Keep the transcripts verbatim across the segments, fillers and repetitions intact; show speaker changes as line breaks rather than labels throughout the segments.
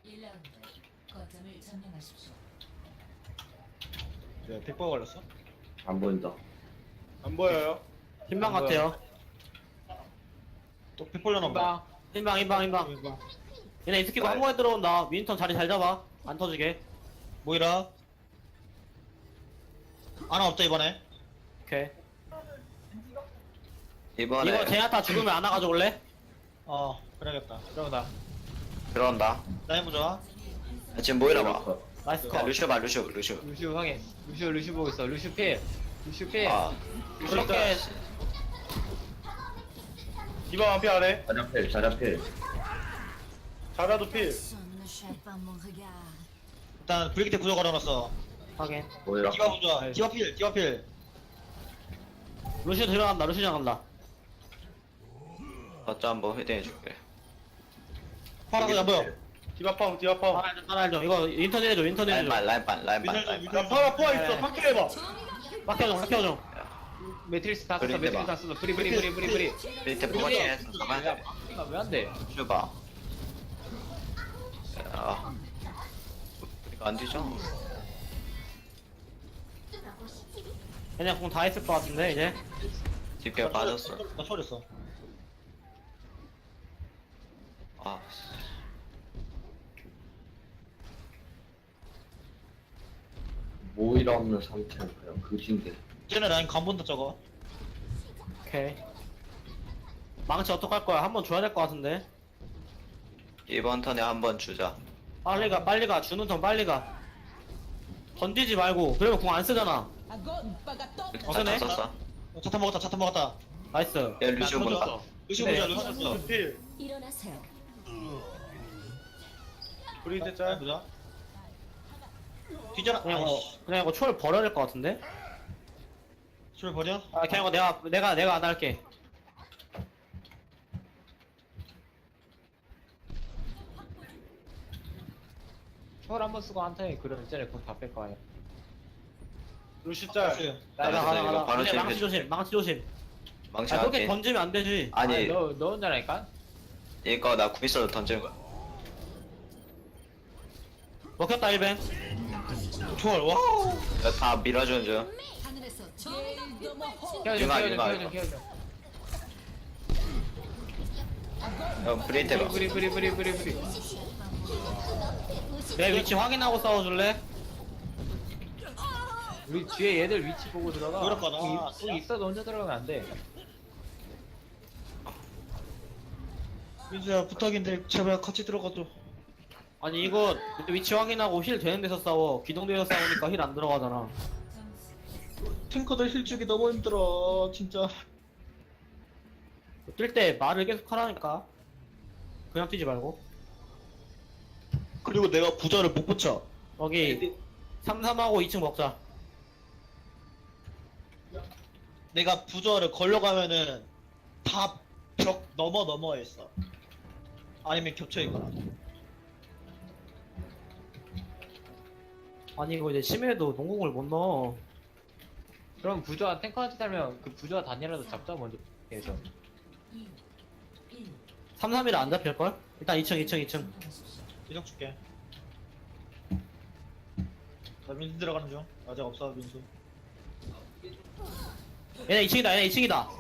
일 라운드 거점을 점령하십시오.
네, 백퍼 걸렸어?
안 보인다.
안 보여요.
흰방
안 보여.
같아요.
또 백퍼 려나 봐.
흰방, 흰방, 흰방. 얘네 이스키고 한 번에 들어온다. 윈턴 자리 잘 잡아. 안 터지게.
모이라. 아나 없다 이번에.
오케이.
이번에
이거 제나타 죽으면 안아 가져올래?
어, 그래야겠다. 그러다.
들어온다.
라인 보자.
아, 지금 모이라 봐.
나이스
야,
컷.
루시오 봐, 루시오, 루시오.
루시오 확인. 루시오 루시오 보고 있어. 루시오 필. 루시오 필.
아,
그렇게
디바 앞에 아래.
자자필, 자자필.
자라도 필.
Son ne chatte pas mon regard.
일단 브리기테 구조 걸어놨어.
확인.
보이라.
디바 보자. 디바 필, 디바 필.
루시오 들어간다. 루시오 들어간다.
어쩌 한번 헤딩해줄게.
파라도 안 보여. 디바 파워, 디바 파워.
따라해줘, 따라해줘. 이거 인터넷 해줘, 인터넷 해줘.
라인반, 라인반, 라인반, 라인반.
야, 파라 포화 있어. 파킬 해봐.
빡혀줘, 빡혀줘.
매트리스 다 썼어.
브리
매트리스
대박.
다 썼어. 브리 브리 브리 브리 브리.
밑에 포커싱 해서 가면 돼.
왜안 돼?
루시오 봐. 야, 이거 안 되죠?
그냥 공 다 했을 것 같은데, 이제.
뒷게 빠졌어.
나 초월했어.
아, 씨.
모이라 없는 상태는 그냥 그진데.
쟤네 라인 간 본다 저거.
오케이. 망치 어떡할 거야? 한 번 줘야 될 것 같은데.
이번 턴에 한 번 주자.
빨리 가, 빨리 가. 주는 턴 빨리 가. 던지지 말고. 그러면 공 안 쓰잖아.
다
쓰네?
썼어.
어, 차탄 먹었다, 차탄 먹었다.
나이스.
야, 루시오 본다.
루시
네.
보자, 루시 보자. 필.
일어나세요.
브리기테 짤. 보자. 뒤져라.
그냥 이거,
아이씨.
그냥 이거 초월 버려야 될 것 같은데?
초월 버려?
아, 그냥 이거 내가, 내가, 내가 안 할게.
초월 한번 쓰고 한타에 그러면 이제 공다뺄 거야.
루시 짤.
가자,
나도
가자,
이거
가자.
바로
근데 망치
칠게.
조심, 망치 조심.
망치
아, 그렇게
할게.
던지면 안 되지.
아니,
너, 너 혼자라니까?
이거 나 구미스로 던지는 거야.
먹혔다, 일 벤.
초월, 와우.
이거 다 밀어주는 중.
하늘에서 정의가 빛발친.
키워줘
융아,
키워줘
융아,
키워줘
이거.
키워줘.
형, 브리테 봐.
브리 브리 브리 브리 브리.
내 위치 확인하고 싸워줄래?
우리 뒤에 얘들 위치 보고 들어가.
그렇구나.
공 있- 공 있어도 혼자 들어가면 안 돼.
민수야, 부탁인데, 제발 같이 들어가줘.
아니, 이거 위치 확인하고 힐 되는 데서 싸워. 기동대에서 싸우니까 힐 안 들어가잖아.
탱커들 힐주기 너무 힘들어, 진짜.
뛸 때 말을 계속 하라니까. 그냥 뛰지 말고.
그리고 내가 부자를 못 붙여.
여기 삼, 삼하고 이 층 먹자.
내가 부저를 걸려가면은 다 벽 넘어 넘어 있어. 아니면 겹쳐 있거나.
아니, 이거 이제 심해도 농공을 못 넣어.
그럼 부조와 탱커한테 살면 그 부조와 단이라도 잡자 먼저. 해서.
이, 일.
삼, 삼이라 안 잡힐걸? 일단 이 층, 이 층, 이 층.
이정 줄게. 나 민수 들어가는 중. 아직 없어, 민수.
얘네 이 층이다, 얘네 이 층이다.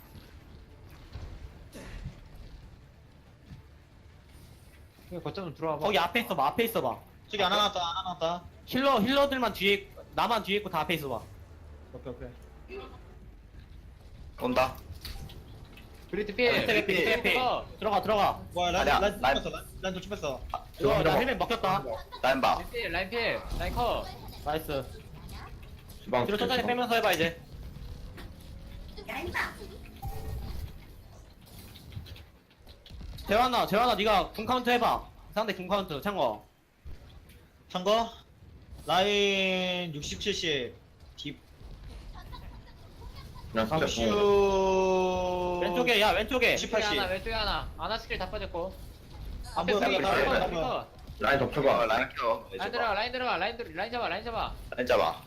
그냥 거점 좀 들어와봐.
거기 앞에 있어봐, 앞에 있어봐.
저기 안 하나왔다, 안 하나왔다.
힐러, 힐러들만 뒤에, 있- 나만 뒤에 있고 다 앞에 있어봐.
오케이, 오케이.
온다.
브리트 필.
스텝 피, 스텝 피. 들어가, 들어가.
와, 라인,
아니야,
라인
라인.
쫓겼어, 라인, 라인 쫓겼어.
이거 나 헬멧 먹혔다.
라인 봐.
라인 필 라인 필 라인 커.
나이스.
주방.
뒤로 천천히 빼면서 해봐, 이제. 재환아, 재환아, 네가 궁 카운트 해봐. 상대 궁 카운트, 창거.
참거, 라인 육십, 칠십. 딥.
그냥 진짜 공.
슈.
왼쪽에, 야, 왼쪽에.
십,
왼쪽에
팔십.
하나 왼쪽에 하나. 아나 스킬 다 빠졌고.
안 보여,
앞에
나,
스킬
나,
다
나,
빠졌고.
나,
나.
라인
어,
덮쳐봐.
라인 켜.
라인 들어가 라인 들어가 라인 들 라인 잡아 라인 잡아.
라인 잡아.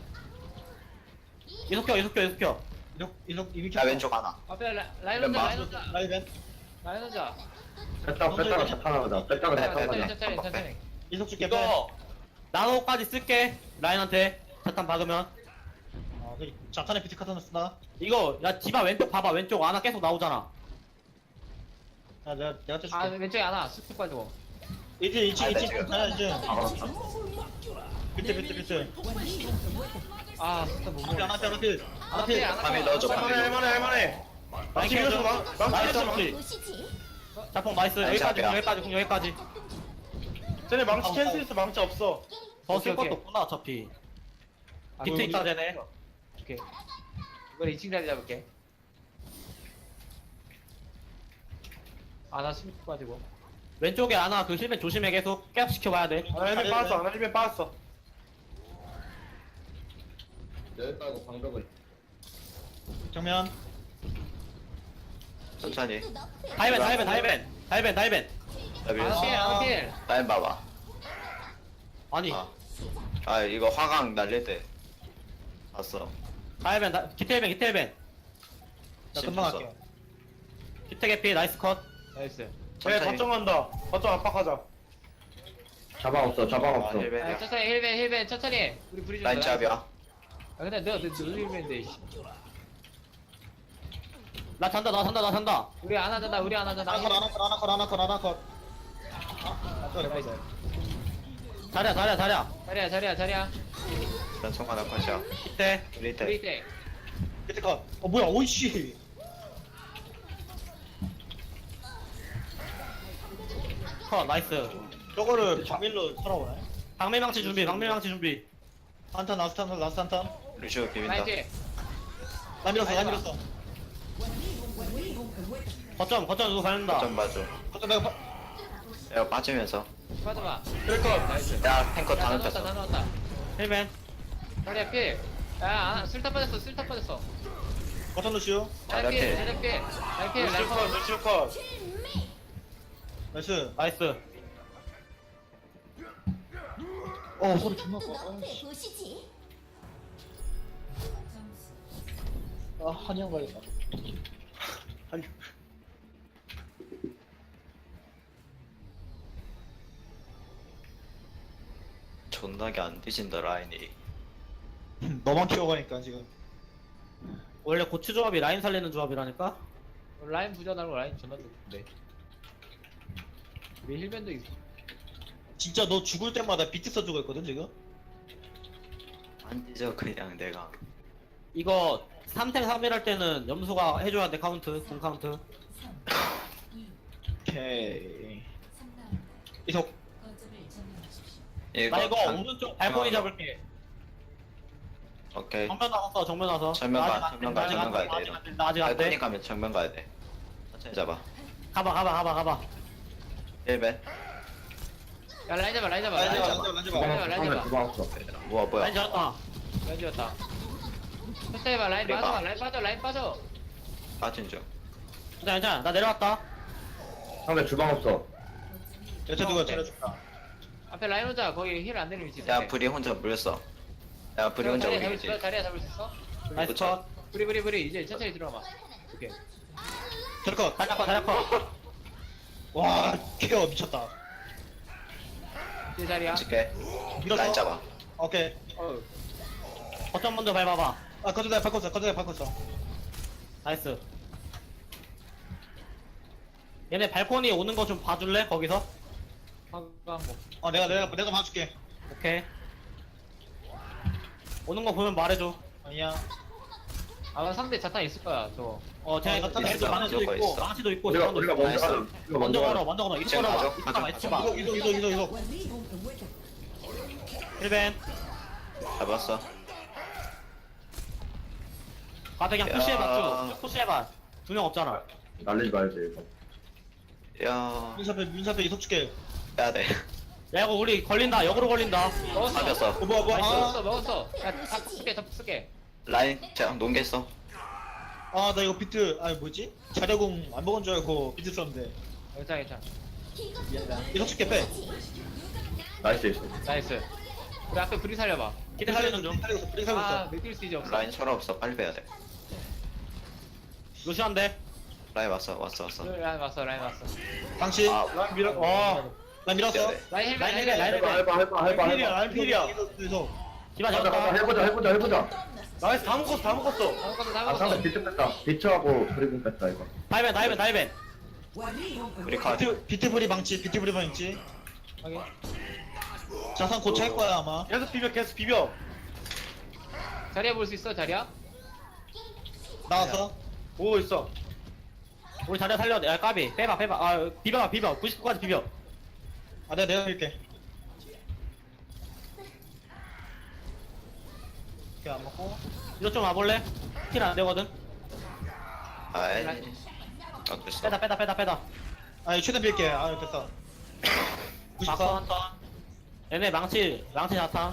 이속켜, 이속켜, 이속켜.
이렇게, 이렇게, 이미
야, 왼쪽 하나.
앞에 라, 라인
왼
혼자
봐.
라인 혼자
라인 벤.
라인 혼자.
뺐다가 뺐다가 자탄하다. 뺐다가
네,
천천히
자탄하다.
천천히 천천히.
이속 줄게 빼.
이거 나노까지 쓸게 라인한테 자탄 박으면.
아, 그 자탄에 비트 카타나 쓰나?
이거 야 디바 왼쪽 봐봐 왼쪽 아나 계속 나오잖아.
아, 내가 내가 떼줄게.
아 왼쪽에 하나 쑥쑥 빠지고.
이제 이제
아,
이제
네,
하나 이제.
아, 그렇다.
비트 비트 비트.
아 진짜 못
앞에
먹어.
하나 앞에 하나 필.
안
필.
앞에 안
밤에
앞에.
넣어줘, 밤에
할만해
넣어줘.
할만해 할만해. 망치
나이스
밀어줘 망. 망치
나이스
밀어줘.
보시지.
자폭 나이스
나이스,
여기까지
앞이야.
여기까지 공 여기까지.
쟤네 망치 캔슬 있어 망치 없어.
더 쓸
오케이,
것도
오케이.
없구나 어차피.
아,
비트
우리-
있다 쟤네.
오케이. 이번 이 층 자리 잡을게. 아나 쑥쑥 빠지고.
왼쪽에 아나 그 힐맨 조심해 계속 계속 지켜봐야 돼.
하나 힐맨 빠졌어 하나 힐맨 빠졌어.
여기까지 방벽을.
정면.
천천히.
다이벤 다이벤 다이벤 다이벤 다이벤.
나
아나
밀었어.
필 아나 필.
라인 봐봐.
아니
아. 아 이거 화강 날릴 때 봤어.
다이벤 다 기태벤 기태벤.
나 금방 갈게.
기태 개피 나이스 컷.
나이스.
쟤
천천히.
거점 간다. 거점 압박하자.
자방 없어, 자방
아,
없어.
아,
힐벤이야.
천천히 힐벤 힐벤 천천히. 우리 브리즈.
라인 잡이야.
아 근데 내가 내 힐벤인데.
나 잔다 나 잔다 나 잔다.
우리 안 하잖아 우리 안 하잖아.
하나 컷 하나 컷 하나 컷 하나 컷 하나 컷. 아, 또 레벨.
자리야 자리야 자리야.
자리야 자리야 자리야.
일단 총알 한 컷이야.
기태.
우리 때.
우리 때.
비트 컷. 어 뭐야 오이씨.
컷 나이스.
저거를 장밀로 살아오네.
방매망치 준비 방매망치 준비.
한탄 라스트 한탄 라스트 한탄.
루시오 비빈다.
나이스.
나 밀었어 나 밀었어.
거점 거점 누구 가는다.
좀 봐줘.
거점 내가 파.
내가 빠지면서.
빠져봐.
그럴 컷.
나이스.
야 탱커 다
다 넣었다 다
눕혔어.
넣었다.
힐맨.
자리야 필. 야 아, 술타 빠졌어 술타 빠졌어.
거점 루시오.
자리야 필
자리야
자리야 필. 자리야 필.
루시오 컷 루시오 컷. 나이스.
나이스.
어 소리 존나 커.
너프에 보시지.
아 한영 가야겠다. 한영.
존나게 안 뒤진다 라인이.
너만 키워가니까 지금.
원래 고추 조합이 라인 살리는 조합이라니까.
라인 부자 나고 라인 존나 좋은데. 우리 힐벤도 있어.
진짜 너 죽을 때마다 비트 써주고 있거든 지금.
안 뒤져 그냥 내가.
이거 삼 탱 삼 일 할 때는 염소가 해줘야 돼 카운트 공 카운트.
오케이. 이석.
이거
나 이거
한-
오른쪽 발코니
어.
잡을게.
오케이.
정면 나가서 정면 와서.
정면
나
가,
아직 안
정면
돼,
가,
아직
정면
안
가야
돼,
돼,
아직 안 돼, 나 아직 안
발코니
돼.
가면 정면 가야 돼. 천천히 잡아.
가봐 가봐 가봐 가봐.
힐벤.
야 라인 잡아 라인 잡아
라인
라인
잡아,
잡아.
라인
주방
잡아.
없어,
라인
상대
잡아.
주방 없어.
뭐야 뭐야.
라인 잡았다.
라인 잡았다. 천천히 봐 라인
그래,
빠져
봐.
라인 빠져 라인 빠져.
빠진 중.
괜찮아 괜찮아 나 내려왔다.
상대 주방 없어.
여차 누가 차려줄까?
앞에 라인 혼자 거기 힐 안 되는 위치.
야 브리 혼자 물렸어. 야 브리 혼자
자리야
우리
잡을
기지.
수 자리야 잡을 수 있어?
나이스
그쵸.
컷.
브리 브리 브리 이제 천천히 들어와봐. 오케이.
저럴 컷.
자리야 컷 자리야 컷.
와 케어 미쳤다.
이제 자리야.
줄게.
밀었어.
라인 잡아.
오케이.
어.
거점 먼저 밟아봐.
아 거점 내가 바꿨어. 거점 내가 바꿨어.
나이스. 얘네 발코니 오는 거 좀 봐줄래 거기서?
화강 뭐.
어 내가 내가 내가 봐줄게.
오케이. 오는 거 보면 말해줘.
아니야.
아마 상대 자탄 있을 거야 저거.
어, 제가
어,
이거
있어,
도 망치도
무조건
있고,
있어.
망치도 있고,
우리가
자탄도
우리가
있고.
먼저
나이스.
가자. 우리가
먼저
먼저
걸어,
가자.
먼저 걸어.
이층
이쪽
가죠?
걸어봐. 이쪽
가죠,
봐, 이쪽 봐.
이속 이속 이속 이속 이속.
힐벤.
잡았어.
가자, 그냥
야.
푸시해봐, 쭉. 푸시해봐. 두 명 없잖아.
날리지 말지 이거.
야
민사패 민사패 이속 줄게.
빼야 돼.
야, 이거 우리 걸린다. 역으로 걸린다.
먹었어.
잡혔어.
어 뭐야 뭐야. 아,
먹었어 먹었어. 야다 쓸게 다 쓸게.
라인 그냥 농겠어.
아 나 이거 비트 아니 뭐지? 자력공 안 먹은 줄 알고 비트 썼는데.
괜찮아 괜찮아.
이속 줄게 빼.
나이스 있어.
나이스. 우리 앞에 브리 살려봐.
기대 살리는 중.
살리고 있어. 브레이크 살리고
아
있어.
맥힐 수 이제 없어.
라인 철 없어. 빨리 빼야 돼.
루시안데.
라인 왔어 왔어 왔어.
라인 왔어 라인 왔어.
당신
아
라인 밀어 와나 밀었어
네.
라인 헬멧
라인
라인
헬멧, 라인
헬멧.
해봐 해봐 해봐
라인 필이야
해봐
라인 필이야 그래서
디바
가자 가자
잡았다.
해보자 해보자 해보자.
나이스 다 먹었어 다 먹었어
다음 것도
아
다음
상대
것도.
비트 뺐다. 비트하고 브리군 뺐다 이거.
다이벤 다이벤 다이벤.
우리 카드.
비트 비트브리 방치 비트브리 방치
확인.
자산 곧 찰 거야 아마
계속 비벼 계속 비벼.
자리야 볼 수 있어 자리야?
나왔어
보고 있어.
우리 자리야 살려. 야 까비. 빼봐 빼봐. 아 비벼 비벼. 구십구까지 비벼.
아 내가 내가 밀게 이렇게 안 먹고
이거 좀 와볼래? 킬 안 되거든.
아이. 아 됐어.
빼다 빼다 빼다 빼다.
아 최대한 밀게 아 됐어
막턴
구십사
한 턴. 얘네 망치 망치 자탄.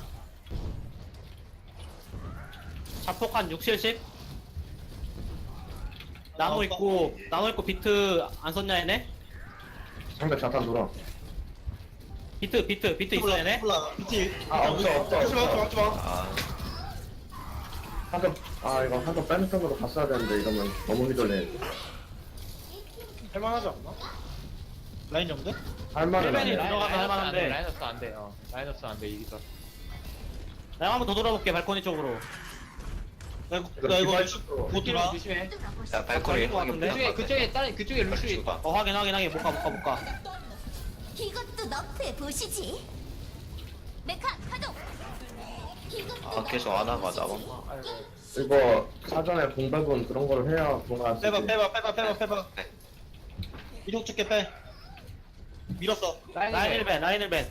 자폭 한 육, 칠십. 나무
어,
있고 나무 있고 비트 안 썼냐 얘네?
상대 자탄 돌아.
비트 비트 비트 있어 얘네?
몰라 비트
아 없어 없어
하지마 하지마
없어.
하지마.
아
한점 아 이거 한점 빼는 쪽으로 갔어야 되는데 이러면 너무 휘둘리네.
할만하지 않나?
라인 정도?
할만은
헬멧이
안해.
라인- 들어가면
라인
할만한데.
없어, 라인 없어 안돼. 어 라인 없어 안돼 이기서.
내가 한번 더 돌아볼게 발코니 쪽으로.
나 이거
이거
나 이거
디바이스 쪽으로.
못
조심해
들어
조심해.
야 발코니
것 같은데?
그쪽에 그쪽에 다른 그쪽에 루시.
죽어.
어 확인 확인 확인 못 가 못 가 못 가.
이것도 너프해 보시지. 메카 가동.
아 계속 안 하고 나만.
이거 사전에 공백은 그런 거를 해야 뭔가 할 수
빼봐
있지.
빼봐 빼봐 빼봐 빼봐
네.
이속 줄게 빼 밀었어
라인 일 벤 라인 일 벤.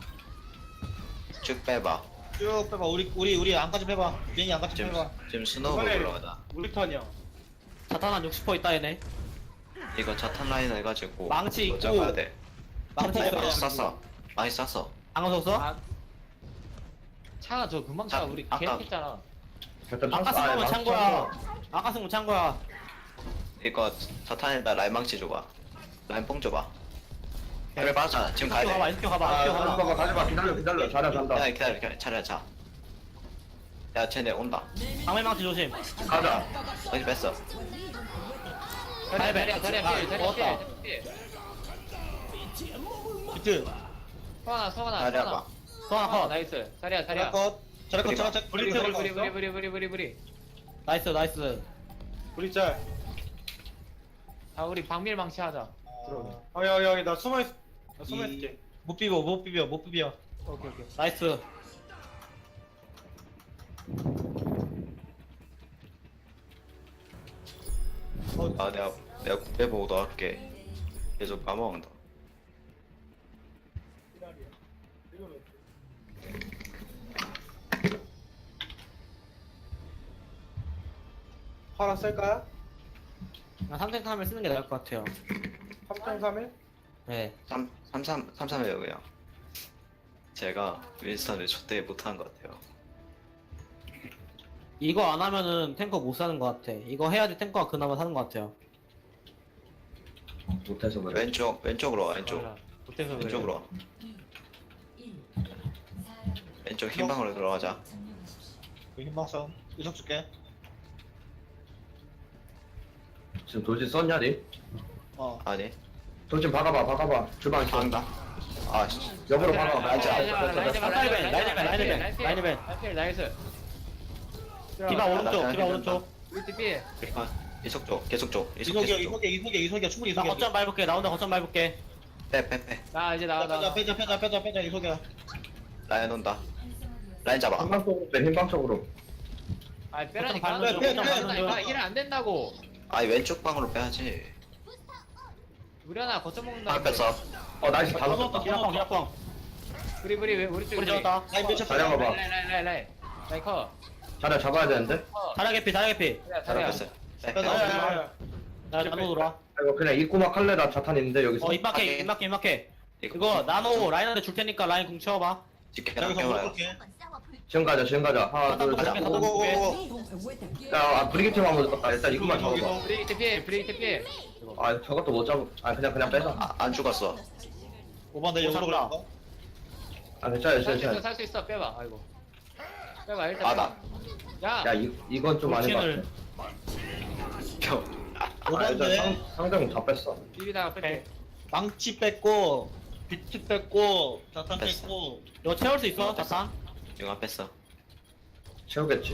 쭉 빼봐.
쭉 빼봐 우리 우리 우리 안까지 빼봐 비행기 안까지
지금
빼봐
지금 스노우볼
이번에
올라가다.
우리 턴이야.
자탄 한 육십 퍼센트 있다 얘네.
이거 자탄 라인 해가지고.
망치
이거
있고.
잡아야 돼.
망치
자탄
있어.
라인.
많이 쐈어. 많이 쐈어.
방어 썼어?
아, 차가 저 금방 차
자,
우리
아까-
계획했잖아.
일단
아까
찼어.
쓴 거면
아니,
찬
찼어.
거야. 아까 쓴 거 찬 거야.
이거 자탄에다 라인 망치 줘봐. 라인 뽕 줘봐. 그래 맞아. 지금 가야
이렇게 가봐
돼.
이렇게 가봐
아
이렇게
가지
가봐.
마 가지 마 기다려 기다려 잘해 간다.
야 기다려 기다려 차려 자. 야 쟤네 온다.
방매 망치 조심.
가자.
어디 뺐어?
자리야 자리야 자리야
아,
필 자리야
먹었다.
필.
비트
성하나 성하나
자리야
성하나.
봐.
소환
어
컷.
나이스. 자리야
자리야
자리야.
컷 자리야 컷
우리
자리야
봐.
컷
브리
우리
브리
자리야
브리
컷
브리 브리 브리 브리 브리.
나이스 나이스.
우리 짤.
아 우리 방밀 망치하자.
들어오네.
아 여기 여기 나 숨어 있. 나 숨어
이-
있을게.
못 비벼 못 비벼 못 비벼
오케이 오케이.
나이스.
아 내가 내가 군대 보고 넣을게. 계속 까먹는다.
화랑 쓸까요?
나 삼 탱 카멜 쓰는 게 나을 것 같아요.
삼 점 삼일?
네.
삼 삼삼 삼삼이에요 그냥. 제가 윈스턴을 촛대 못한 것 같아요.
이거 안 하면은 탱커 못 사는 것 같아. 이거 해야지 탱커가 그나마 사는 것 같아요.
못해서 그래.
왼쪽 왼쪽으로 와 왼쪽.
몰라. 못해서 그래.
왼쪽으로 와. 왼쪽 흰방으로 들어가자.
그 흰방선 이속 줄게
지금 돌진 썼냐 니?
어
아니.
돌진 박아봐 박아봐. 주방 있어.
안다. 아 씨.
역으로
라인
박아.
라인
알지
라인
알지.
라인
라인
라인
라인 라인 라인 라인
라인
라인 라인
라인 나이스.
디바 오른쪽 디바 오른쪽.
우리 팀
아, 이속 쪽 계속 쪽 이속
이속이야
계속 쪽.
이속이야 이속이야 이속이야 충분히
나
이속이야
거점 밟을게. 나 혼자 거점 밟을게.
빼빼 빼.
나 이제 나가
빼자
나가.
빼자 빼자 빼자 빼자 이속이야
라인 온다. 라인 잡아.
흰방 쪽으로 빼 흰방 쪽으로.
아 빼라니까.
거점
밟는 중,
안
거점
된다니까.
밟는 중.
일안 된다고.
아니 왼쪽 방으로 빼야지.
우리 하나 거점 먹는다.
방 뺐어.
어 나이스 다
넣었다.
넣었다.
기라뻥 기라뻥.
우리 우리 왜 우리 쪽에
우리 잡았다.
라인 몇차
자리야
빼자
봐봐.
라인 라인 라인 라인 라인 커.
자리야 잡아야 되는데.
자라 개피 자라 개피.
자리야
자리야
자리야.
뺐어. 빼.
빼자.
빼.
야야야.
나 나노 돌아.
이거 그냥 입구막 할래 나 자탄 있는데 여기서.
어 입막해 입막해 입막해. 이거 나노 라인한테 줄 테니까 라인 궁 채워봐.
지켜
여기서
깨워요.
먹을게
지금 가자 지금 가자. 하나 둘 셋.
잠깐만,
고고고고
야 아, 브리기트 한번 넣었다. 일단 입구만 잡아봐.
브레이크 피해 브레이크 피해.
아 저것도 못 잡아. 아 그냥 그냥 빼자.
아, 안 죽었어.
오반 내 역으로
오산다.
그럴까?
아 괜찮아
살 수
괜찮아.
있어 살 수 있어 빼봐. 아이고. 빼봐 일단.
아,
빼봐. 야.
야 이, 이건 좀 아닌 것
돌진을.
같아.
겨. 아,
아 일단
오반데
상, 상대공 다 뺐어.
비비다가 뺄게.
망치 뺐고 비트 뺐고 자탄
뺐어.
뺐고
이거 채울 수 있어 자탄?
이거 뺐어.
채우겠지.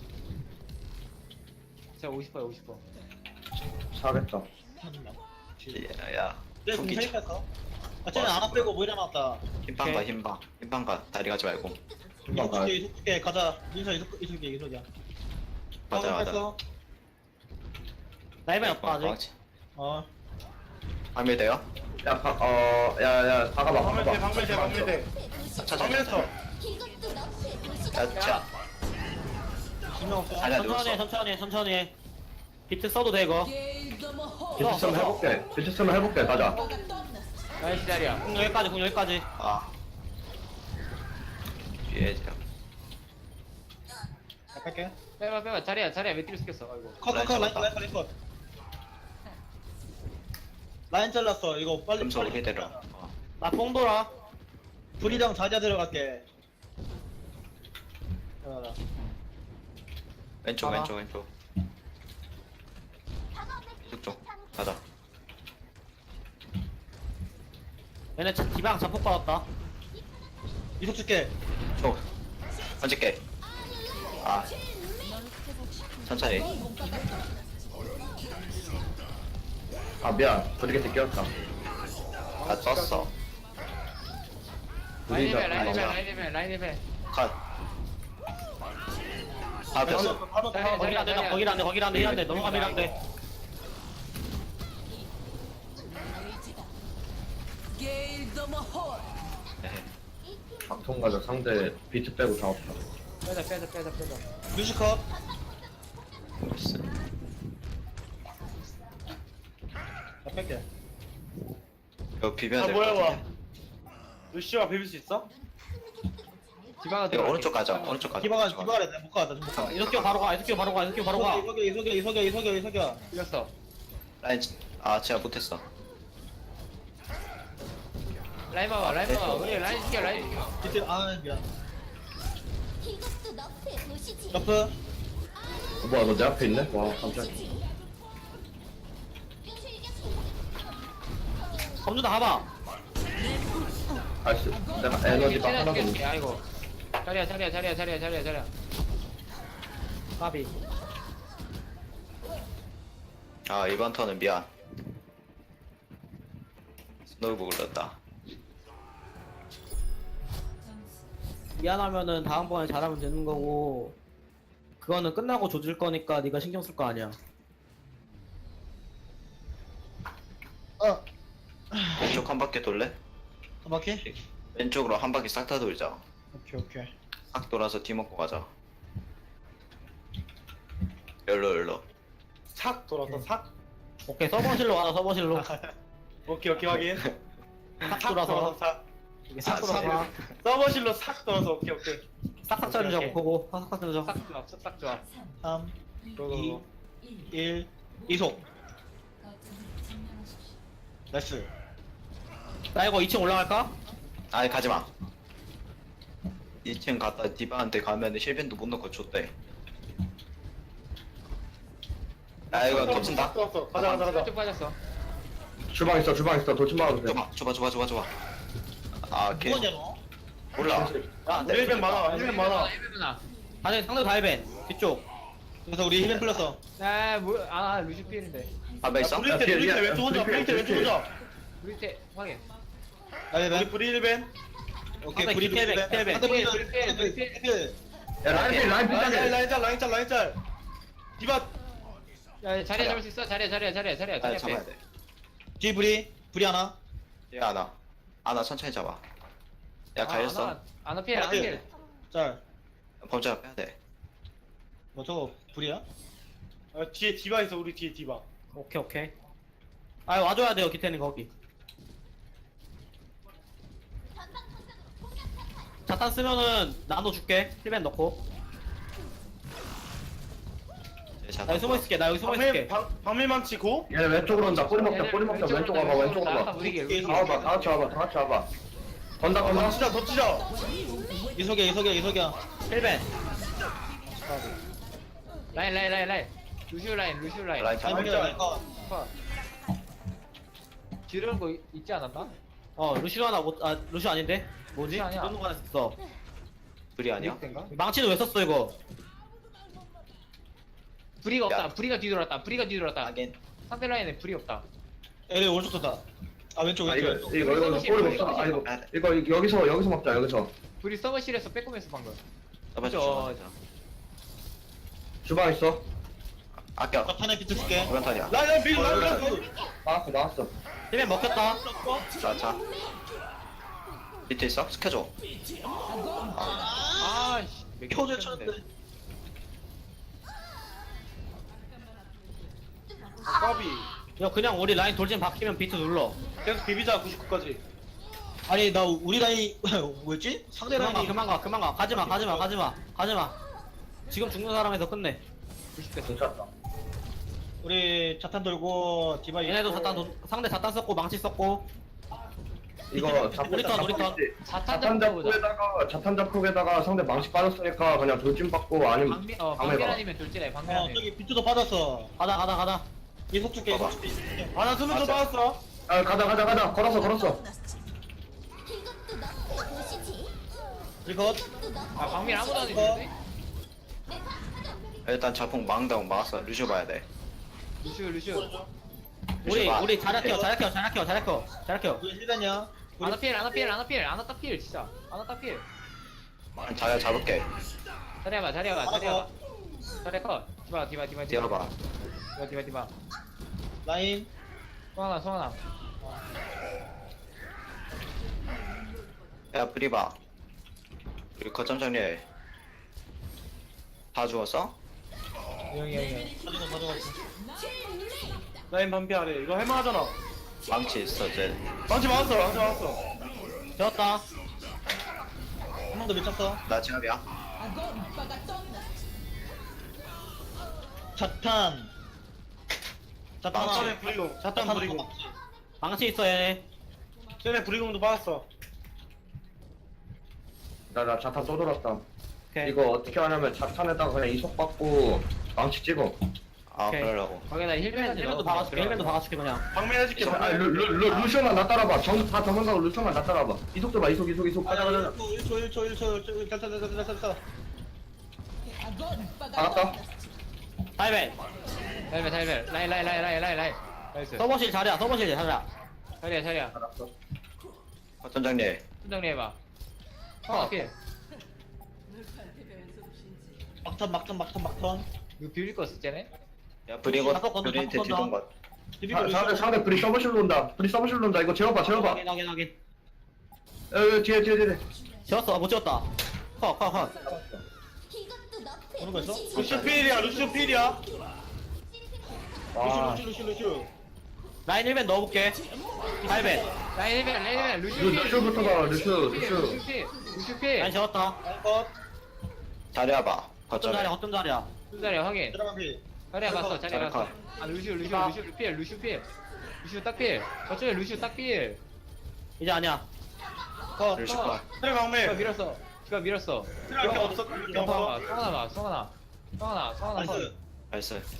제가 오십 퍼야 오십 퍼.
사겠다.
야, 야.
쟤
총기
공세 뺐어 아 쟤는 안 빼고 뭐 이래놨다
힘방 가 힘방. 힘방 가. 다리 가지 말고.
금방 가야
이속게 이속게 가자 민서 이속 이속게 이속이야
맞아,
방금
맞아.
뺐어.
라이벤 없다 아직.
어
방밀 돼요?
야, 가, 어, 야, 야, 다가봐,
방밀대
다가봐.
방밀대 방밀대
찾아,
방밀했어
찾아.
이것도 너프의 도시지.
야, 자.
지명 없어
자리야,
천천히 해
누웠어.
천천히 해 천천히 해. 비트 써도 돼 이거.
비트 쓰면 해볼게. 비트 쓰면 해볼게, 가자.
라인 기다려.
공 여기까지 공 여기까지.
아. 뒤에 자.
갈게
빼봐 빼봐 자리야 자리야 왜 뒤로 시켰어? 아이고.
컷컷컷 라인 라인 라인 컷 라인 잘랐어 이거 빨리
금속
빨리
이대로. 어.
나뽕 돌아.
불이랑 자자 들어갈게 자,
왼쪽,
봐봐.
왼쪽, 왼쪽. 이쪽 쪽. 가자.
얘네 자- 디방 자폭 받았다.
이속 줄게
쪽. 던질게. 아. 천천히.
아, 미안. 브리게트 끼웠다.
나 떴어.
라인
우리가
레벨 라인 레벨
맞아.
라인 레벨 라인 레벨.
컷. 아,
바로
뺐어.
바로
자리야,
바로
거길 안 돼, 나 거길 안 돼, 거길 안 돼, 힐안 돼, 넘어가면 안 돼.
네.
박통 가자. 상대 비트 빼고 다 없다.
빼자 빼자 빼자 빼자.
뮤지컷
나이스.
나 뺄게
이거 비벼야
아
될것
뭐야 와
같은데.
루시오가 비빌 수 있어?
디바가
이거
들어갈게.
오른쪽 가자. 오른쪽 가자.
기바가
오른쪽
기바가 못 가다 못 가.
이석기 바로 가, 이석기 바로 가, 이석기 바로 가.
이석이 이석이 이석이 이석이 이석이 이석이
이겼어.
라인, 아, 제가 못했어.
라인 봐봐 라인 봐봐. 우리 라인 시켜 라인 시켜.
이때 아 미안
이것도 너프의 도시지.
러프
어, 뭐야, 너 내 앞에 있네? 와, 깜짝이야.
검준아 가봐.
아이씨, 내가 에너지가
최대한
하나도 없네.
죽여줄게. 아이고. 자리야 자리야 자리야 자리야 자리야 자리야.
까비.
아, 이번 턴은 미안. 스노우볼 올렸다.
미안하면은 다음번에 잘하면 되는 거고. 그거는 끝나고 조질 거니까 네가 신경 쓸 거 아니야.
어
왼쪽 한 바퀴 돌래?
한 바퀴
왼쪽으로 한 바퀴 싹 다 돌자.
오케이 오케이
싹 돌아서 뒤 먹고 가자. 열로 열로.
삭 돌아서 삭
오케이, 서버실로 가자, 서버실로.
오케이 오케이 확인
싹
삭
돌아서.
돌아서 삭
이게 싹
아,
돌아서.
서버실로 삭 돌아서 오케이 오케이
싹싹 자르자,
오케이.
보고. 싹싹 자르자.
싹 좋아 싹 좋아.
삼
고고고
일 이속 나이스
나 이거 이 층 올라갈까?
아니 가지마. 이 층 갔다 디바한테 가면은 실벤도 못 넣고 줬대. 아 이거 덮친다.
삭 돌았어 가자 가자 가자
쭉 빠졌어.
주방 있어, 주방 있어. 돌진 막아도 돼.
줘봐 줘봐 줘봐 줘봐 줘봐. 아 걔.
뭐냐 너?
몰라. 아, 내
힐벤 많아 힐벤 많아
힐벤아.
아니, 상대 다이벤. 뒤쪽.
그래서 우리 힐벤 풀렸어
아뭐아 루시 필인데.
밥에 있어?
브리테
뒤에,
브리테
뒤에,
왼쪽 오자
뒤에,
브리테 왼쪽
뒤에.
오자
우리 때 확인.
나
우리
힐벤
브리 힐벤
오케이
상대
브리 브리
힐벤,
힐벤
힐벤.
상대 브리
브리 필, 브리 필.
힐벤
야, 라인필, 라인필
라인 짤
짜게.
라인 짤 라인 짤 라인 짤 디바
야 자리야 잡을 수 있어. 자리야 자리야 자리야 자리야
아
자리야.
잡아야 돼.
뒤 브리 브리 하나
얘 하나. 하나 천천히 잡아. 야 가였어.
아나 필 아나 필.
짤
범죄가 빼야 돼.
뭐 저거 불이야?
아, 뒤에 디바 있어 우리 뒤에 디바
오케이, 오케이. 아, 와줘야 돼요, 기태는 거기. 자탄 쓰면은 나눠 줄게. 힐벤 넣고.
얘 자탄
나 여기 숨어 있을게, 나 여기 숨어
방밀
있을게.
방- 방밀망치 고
얘네 왼쪽으로 온다. 꼬리 먹자, 꼬리 먹자. 왼쪽 와봐, 왼쪽
나갔다
와봐.
우리게. 우리
다 와봐, 다 같이 와봐, 다 같이 와봐. 건다, 건다.
덮치자 덮치자
이석이야 이석이야 이석이야
힐벤.
라인 라인 라인 라인. 루시오 라인 루시오 라인.
라인 잘
아니
진짜.
아니 아,
컷. 지르는 거 있- 있지 않았나?
어 루시오 하나 못.. 아 루시오 아닌데? 뭐지?
루시오 아니야.
이런 거 하나 있어.
불이 아니야?
인가?
망치는 왜 썼어 이거?
브리가 없다.
야.
브리가 뒤돌았다. 브리가 뒤돌았다.
하긴
상대 라인에 브리 없다.
에레 오른쪽 쏜다. 아 왼쪽
아
왼쪽.
이거
왼쪽.
이거 이거 꼬리 없어. 아 이거 이거 이거 여기서 여기서 먹자 여기서.
브리 서버실에서 빼꼼했어 방금.
써봐줘
그죠.
줘
주방 있어.
아껴
자탄에 비트 줄게.
오른탄이야
라인 라인 빌 라인
어,
라인.
나왔어 나왔어.
힐맨 먹혔다.
자자 밑에 있어? 스켜줘
아씨.
표제 쳤는데.
까비.
야 그냥 우리 라인 돌진 바뀌면 비트 눌러.
계속 비비자 구십구까지.
아니 나 우리 라인 뭐였지? 상대
그만 가
라인이
그만 가 그만 가 가지마 가지마 가지마 가지마. 지금 죽는 사람에서 끝내.
괜찮다.
우리 자탄 돌고 디바
얘네도
있고.
자탄 돈- 상대 자탄 썼고 망치 썼고.
이거 자탄
우리 턴, 우리 턴.
자탄
자탄
잡고 보자.
잡고에다가 자탄 잡고에다가 상대 망치 빠졌으니까 그냥 돌진 받고 아니면
방미 어
방해봐.
방면 아니면 돌진해. 방면
어
아니면.
저기 비트도 받았어.
가다 가다 가다.
이속 줄게 이속
봐봐.
줄게.
아나 수면 좀 받았어.
아 가자 가자 가자 걸었어 걸었어.
이것도 너프의 도시지.
이거
이것도 너프의
아 방면 아무도 안
이거.
해주는데?
일단 자폭 망당 막았어 루시오 봐야 돼
루시오 루시오.
우리
루시오 봐.
우리 자락해요 자락해요 자락해요 자락해요 자락해요.
우리 힐단이야.
아나 필 아나 필 아나 필 아나 딱 필 진짜. 아나 딱 필.
자리야 잡을게
자리야봐 자리야봐 자리야봐. 자리야 컷. 디바 디바 디바
뛰어봐
디바 디바 디바.
라인.
송하나 송하나.
야 브리바 우리 거점 정리해 다 죽었어?
영이 영이.
가지고 가져갔어.
라인 반피하래. 이거 할만하잖아.
망치 있어 쟤
망치 맞았어. 망치 맞았어.
되었다.
한 번 더 미쳤어.
나 제압이야
자탄. 자탄
쟤네
하나.
브리공.
자탄
자탄
하나.
브리공.
망치 있어 얘네.
쟤네 브리공도 받았어.
나 나 자탄 또 돌았다.
오케이.
이거 어떻게 하냐면 자탄에다가 그냥 이속 받고 망치 찍어.
아
오케이.
그러려고
거기다
힐맨
힐맨
힐맨도 박아줄게 힐맨도 박아줄게 그냥.
방면 해줄게.
아, 루, 루, 루, 루시오만 나 따라봐. 정, 다 도망가고 루시오만 나 따라봐. 이속 줘봐, 이속, 이속, 이속. 가자, 가자, 가자.
일 초 일 초 일 초 일 초 됐다 됐다 됐다 됐다.
나갔다.
다이벤.
달벨 달벨 라인 라인 라인 라인 라인 라인. 나이스.
서버실 자리야 서버실 자리야.
자리야 자리야.
알았어.
거점 정리해
정리해봐. 어 필.
막턴 막턴 막턴 막턴.
이거 비빌 거 쓰잖아.
야 브리고
자폭 건너,
브리한테
자폭 건너.
뒤동 것
비비고
사- 상대, 상대 브리 서버실로 온다. 브리 서버실로 온다. 이거 재워봐, 재워봐.
확인 확인 확인.
어, 어, 뒤에, 뒤에, 뒤에.
지웠어 못 지웠다. 컷컷 컷.
이것도 너프의
오는 거 있어?
도시지.
루시오 필이야. 루시오 필이야.
아,
루시 루시 루시 루시.
라인 힐맨 넣어볼게. 다이벤.
라인 힐맨 라인 힐맨 루시오
루,
필.
루시오부터 가, 루시오,
필,
루시오.
루시오 필. 루시오 필.
라인 지웠다.
컷.
자리야 봐
어떤
거점에
자리야 어떤 자리야.
두 자리야 확인.
들어간 피.
자리야 봤어 자리야
자리야
봤어.
컷.
아 루시오 루시오 루시오 필 루시오 필. 루시오 딱 필. 저쪽에 루시오 딱 필.
이제 아니야.
컷.
루시오 봐
트레
누가
방면.
밀었어. 누가 밀었어.
트레 앞에 없어. 이렇게 없어.
성하나 성하나 성하나 성하나 성하나 컷.
나이스.
나이스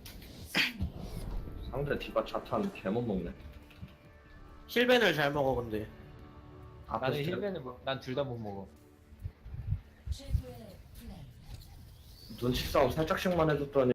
상대 디바 자탄 개못 먹네.
힐벤을 잘 먹어 근데.
앞에서
나는
재워.
힐맨은 뭐, 난 둘 다 못 먹어.
최고의 플레이.
눈치 싸움 살짝씩만 해줬더니